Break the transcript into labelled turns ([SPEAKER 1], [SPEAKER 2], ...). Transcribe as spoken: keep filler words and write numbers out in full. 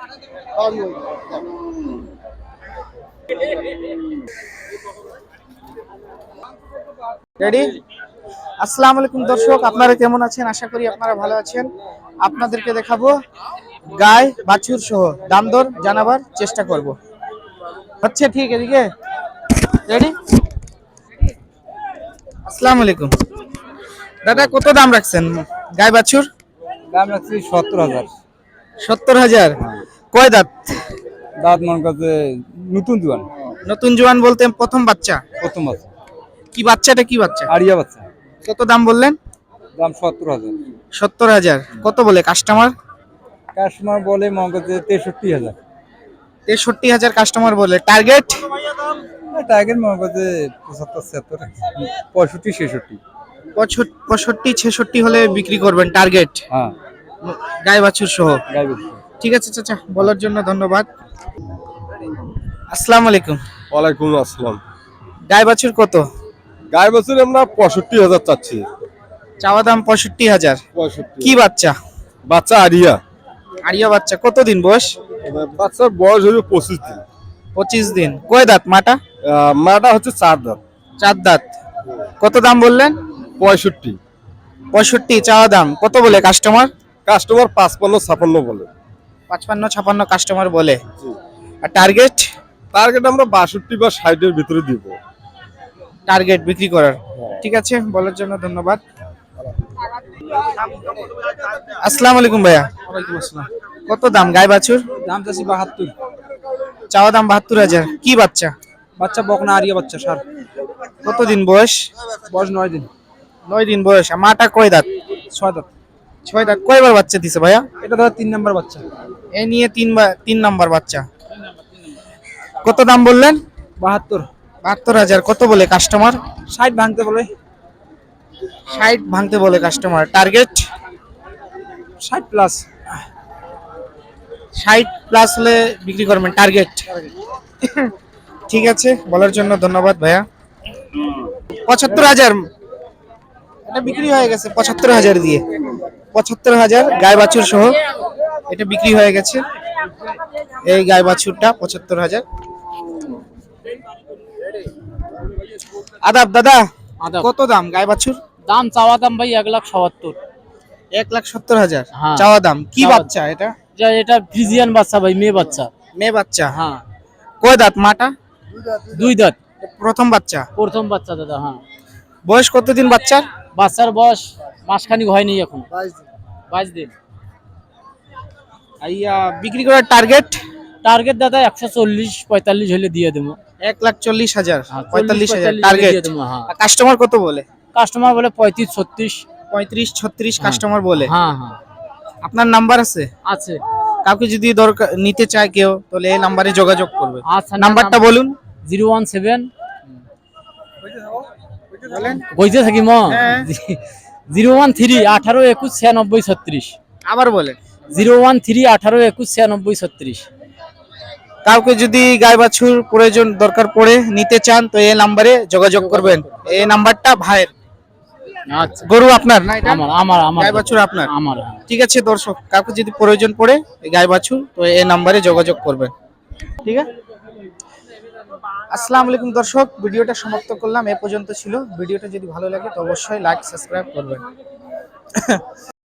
[SPEAKER 1] Ready? আসসালামু আলাইকুম দর্শক, আপনারা কেমন আছেন? আশা করি আপনারা ভালো আছেন। আপনাদেরকে দেখাবো গায় বাছুর সহ দাম দর জানাবার চেষ্টা করব। হচ্ছে ঠিক এদিকে রেডি? আসসালামু আলাইকুম দাদা, কত দাম রাখছেন গায় বাছুর?
[SPEAKER 2] দাম রাখছি সত্তর হাজার।
[SPEAKER 1] সত্তর হাজার। কয় দাঁত?
[SPEAKER 2] দাঁত মনে করছে নতুন জোয়ান।
[SPEAKER 1] নতুন জোয়ান বলতে প্রথম বাচ্চা?
[SPEAKER 2] প্রথম বাচ্চা।
[SPEAKER 1] কি বাচ্চাটা কি বাচ্চা?
[SPEAKER 2] আরিয়া বাচ্চা।
[SPEAKER 1] কত দাম বললেন?
[SPEAKER 2] দাম সত্তর হাজার।
[SPEAKER 1] সত্তর হাজার। কত বলে কাস্টমার?
[SPEAKER 2] কাস্টমার বলে মনে করছে তেষট্টি হাজার।
[SPEAKER 1] তেষট্টি হাজার কাস্টমার বলে। টার্গেট?
[SPEAKER 2] টার্গেট মনে করছে পঁচাত্তর ছিয়াত্তর পঁয়ষট্টি ছেষট্টি।
[SPEAKER 1] পঁয়ষট্টি ছেষট্টি হলে বিক্রি করবেন টার্গেট?
[SPEAKER 2] হ্যাঁ,
[SPEAKER 1] গাই বাছুর সহ।
[SPEAKER 2] গাই বাছুর।
[SPEAKER 1] ঠিক আছে চাচা, বলার জন্য ধন্যবাদ। আসসালামু আলাইকুম।
[SPEAKER 3] ওয়ালাইকুম আসসালাম।
[SPEAKER 1] গাই বাছুর কত?
[SPEAKER 3] গাই বাছুর আমরা পঁয়ষট্টি হাজার চাচ্ছি।
[SPEAKER 1] চাওয়া দাম পঁয়ষট্টি হাজার।
[SPEAKER 3] পঁয়ষট্টি।
[SPEAKER 1] কি বাচ্চা?
[SPEAKER 3] বাচ্চা আরিয়া।
[SPEAKER 1] আরিয়া বাচ্চা। কতদিন বয়স?
[SPEAKER 3] বাচ্চার বয়স হলো পঁচিশ দিন।
[SPEAKER 1] পঁচিশ দিন। কয় দাঁত মাটা?
[SPEAKER 3] আহ, মাটা হচ্ছে চার দাঁত।
[SPEAKER 1] চার দাঁত। কত দাম বললেন?
[SPEAKER 3] পঁয়ষট্টি।
[SPEAKER 1] পঁয়ষট্টি চাওয়া দাম। কত বলে কাস্টমার?
[SPEAKER 3] কাস্টমার পাঁচপান্ন ছাপান্ন বলে।
[SPEAKER 1] পাঁচপান্ন ছাপান্ন কাস্টমার বলে। আর টার্গেট?
[SPEAKER 3] টার্গেট আমরা বাষট্টি বা ষাটের ভিতরে দিব।
[SPEAKER 1] টার্গেট বিক্রি করার। ঠিক আছে, বলার জন্য ধন্যবাদ। আসসালামু আলাইকুম ভাইয়া।
[SPEAKER 2] ওয়ালাইকুম আসসালাম।
[SPEAKER 1] কত দাম গাই বাছুর?
[SPEAKER 2] দাম চাচ্ছি বাহাত্তর।
[SPEAKER 1] চাওয়া দাম বাহাত্তর হাজার। কি বাচ্চা?
[SPEAKER 2] বাচ্চা বকনা আরিয়া বাচ্চা সার।
[SPEAKER 1] কতদিন বয়স?
[SPEAKER 2] বয়স নয় দিন।
[SPEAKER 1] নয় দিন বয়স। আর মাটা কয় দাঁত?
[SPEAKER 2] ছয় দাঁত।
[SPEAKER 1] ছয় দাঁত। কয়বার বাচ্চা দিছে ভাইয়া?
[SPEAKER 2] এটা ধর তিন নাম্বার বাচ্চা।
[SPEAKER 1] এ নিয়ে তিনবার তিন নাম্বার বাচ্চা। কত দাম বললেন?
[SPEAKER 2] বাহাত্তর।
[SPEAKER 1] বাহাত্তর হাজার। কত বলে কাস্টমার?
[SPEAKER 2] ষাট ভাঙতে বলে।
[SPEAKER 1] ষাট ভাঙতে বলে কাস্টমার। টার্গেট?
[SPEAKER 2] ষাট প্লাস।
[SPEAKER 1] ষাট প্লাস হলে বিক্রি করবেন টার্গেট। ঠিক আছে, বলার জন্য ধন্যবাদ ভাইয়া। পঁচাত্তর হাজার। এটা বিক্রি হয়ে গেছে পঁচাত্তর হাজার দিয়ে। পঁচাত্তর হাজার গাই বাছুর সহ এটা বিক্রি হয়ে গেছে। এই গাই বাছুরটা পঁচাত্তর হাজার। আদাব দাদা, কত দাম গাই বাছুর?
[SPEAKER 4] দাম চাওয়া দাম ভাই এক লাখ সত্তর।
[SPEAKER 1] এক লাখ সত্তর হাজার
[SPEAKER 4] হ্যাঁ।
[SPEAKER 1] চাওয়া দাম। কি
[SPEAKER 4] চাওয়া-
[SPEAKER 1] বাচ্চা এটা?
[SPEAKER 4] যা এটা ফ্রিজিয়ান বাচ্চা ভাই, মেয়ে বাচ্চা।
[SPEAKER 1] মেয়ে বাচ্চা।
[SPEAKER 4] হ্যাঁ,
[SPEAKER 1] কয় দাঁত মাটা?
[SPEAKER 4] দুই দাঁত।
[SPEAKER 1] প্রথম বাচ্চা।
[SPEAKER 4] প্রথম বাচ্চা দাদা। হ্যাঁ,
[SPEAKER 1] বয়স কতদিন বাচ্চার?
[SPEAKER 4] বাচ্চার বয়স মাসখানিক হয়নি এখন, বাইশ দিন।
[SPEAKER 1] আইয়া বিক্রি করার টার্গেট?
[SPEAKER 4] টার্গেট দাদা একশো চল্লিশ পঁয়তাল্লিশ হলে দিয়ে দেবো।
[SPEAKER 1] এক লাখ চল্লিশ হাজার।
[SPEAKER 4] হ্যাঁ,
[SPEAKER 1] পঁয়তাল্লিশ হাজার
[SPEAKER 4] হলে
[SPEAKER 1] টার্গেট।
[SPEAKER 4] দিয়ে দেবো। হ্যাঁ,
[SPEAKER 1] কাস্টমার কত বলে?
[SPEAKER 4] কাস্টমার বলে পঁয়ত্রিশ ছত্রিশ।
[SPEAKER 1] পঁয়ত্রিশ ছত্রিশ
[SPEAKER 4] হ্যাঁ।
[SPEAKER 1] কাস্টমার বলে।
[SPEAKER 4] হ্যাঁ হ্যাঁ
[SPEAKER 1] আপনার নাম্বার আছে?
[SPEAKER 4] আছে।
[SPEAKER 1] কাউকে যদি দরকার নিতে চায় কেউ, তাহলে এই নাম্বারে যোগাযোগ করবে।
[SPEAKER 4] আচ্ছা,
[SPEAKER 1] নাম্বারটা বলুন।
[SPEAKER 4] জিরো ওয়ান সেভেন
[SPEAKER 1] বলেন।
[SPEAKER 4] বইতে থাকি ম
[SPEAKER 1] হ্যাঁ।
[SPEAKER 4] জিরো ওয়ান থ্রি আঠারো একুশ ছিয়ানব্বই ছত্রিশ।
[SPEAKER 1] আবার বলেন।
[SPEAKER 4] জিরো ওয়ান থ্রি আঠারো একুশ ছিয়ানব্বই ছত্রিশ।
[SPEAKER 1] কাউকে যদি গাই বাছুর প্রয়োজন দরকার পড়ে নিতে চান, তো এই নাম্বারে যোগাযোগ করবেন। এই নাম্বারটা ভাইয়ের।
[SPEAKER 4] আচ্ছা,
[SPEAKER 1] গরু আপনার না এটা?
[SPEAKER 4] আমার আমার আমার
[SPEAKER 1] গাই বাছুর আপনার?
[SPEAKER 4] আমার। হ্যাঁ।
[SPEAKER 1] ঠিক আছে দর্শক, কাউকে যদি প্রয়োজন পড়ে এই গাই বাছুর, তো এই নাম্বারে যোগাযোগ করবেন। ঠিক আছে। আসসালামু আলাইকুম দর্শক, ভিডিওটা সমাপ্ত করলাম। এ পর্যন্ত ছিল। ভিডিওটা যদি ভালো লাগে তো অবশ্যই লাইক সাবস্ক্রাইব করবেন।